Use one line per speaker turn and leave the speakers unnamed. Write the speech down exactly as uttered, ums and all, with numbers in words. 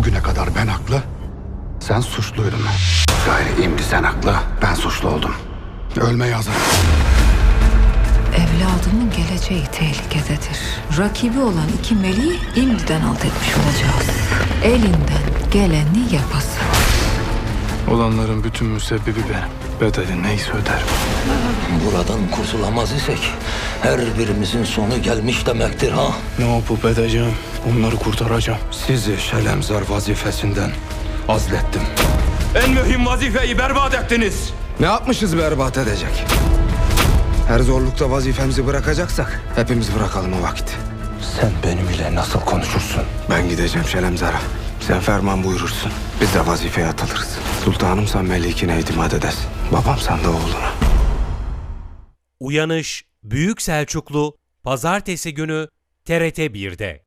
Bugüne kadar ben haklı, sen suçluydun. Gayri imdi sen haklı, ben suçlu oldum. Ölmeye hazırım.
Evladımın geleceği tehlikededir. Rakibi olan iki meleği imdiden alt etmiş olacağız. Elinden geleni yapasın.
Olanların bütün müsebbibi benim. Bedeli neyse öderim.
Buradan kurtulamaz isek her birimizin sonu gelmiş demektir ha.
Ne yapıp edeceğim? Onları kurtaracağım.
Sizi Şelemzar vazifesinden azlettim.
En mühim vazifeyi berbat ettiniz.
Ne yapmışız berbat edecek? Her zorlukta vazifemizi bırakacaksak hepimiz bırakalım o vakit.
Sen benimle nasıl konuşursun?
Ben gideceğim Şelemzar'a. Sen ferman buyurursun. Biz de vazifeye atılırız. Sultanım sen melikine itimat edesin. Babam sen de oğluna.
Uyanış Büyük Selçuklu Pazartesi günü T R T bir'de.